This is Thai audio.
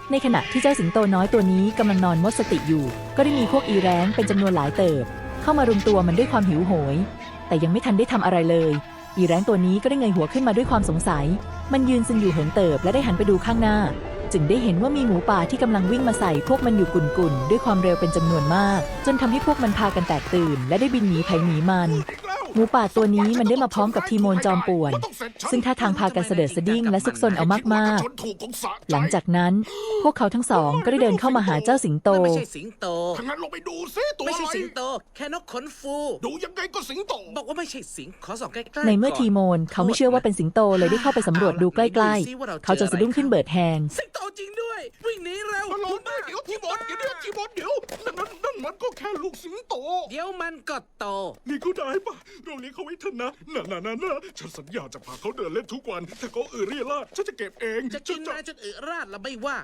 ในขณะที่เจ้าสิงโตน้อยตัวนี้กำลังนอนหมดสติอยู่ก็ได้มีพวกอีแร้งเป็นจำนวนหลายเติบเข้ามารุมตัวมันด้วยความหิวโหยแต่ยังไม่ทันได้ทำอะไรเลยอีแร้งตัวนี้ก็ได้เงยหัวขึ้นมาด้วยความสงสัยมันยืนซึมอยู่เหินเติบและได้หันไปดูข้างหน้าจึงได้เห็นว่ามีหมูป่าที่กำลังวิ่งมาใส่พวกมันอยู่กุ่นๆด้วยความเร็วเป็นจำนวนมากจนทำให้พวกมันพากันแตกตื่นและได้บินหนีไผหนีมันหมูป่าตัวนี้มันได้มาพร้อมกับทีโมนจอมป่วนซึ่งท่าทางพากันเสด็จสดิ้งและซุกซนเอามากๆหลังจากนั้นพวกเขาทั้งสองก็ได้เดินเข้ามาหาเจ้าสิงโตไม่ใช่สิงโตทางนั้นลงไปดูซิตัวไม่อะไรใช่สิงโต แค่นกขนฟูดูยังไงก็สิงโตบอกว่าไม่ใช่สิงขอส่องใกล้ๆในเมื่อทีโมนเขาไม่เชื่อว่าเป็นสิงโตเลยได้เข้าไปสำรวจดูใกล้ๆเขาจะสะดุ้งขึ้นเบิดแฮงสิงโตจริงด้วย วิ่งหนีเร็วฮัลโหลเดี๋ยวทีมอนเดี๋ยวทีมอนเดี๋ยวนั่นมันก็แค่ลูกสิงโตเดี๋ยวมันก็โตนี่ก็ได้ปะเราเลี้ยงเขาไว้เถอะนะนะฉันสัญญาจะพาเขาเดินเล่นทุกวันถ้าเขาเรี่ยราดฉันจะเก็บเองจะกินนายจนอึราดแล้วไม่ว่า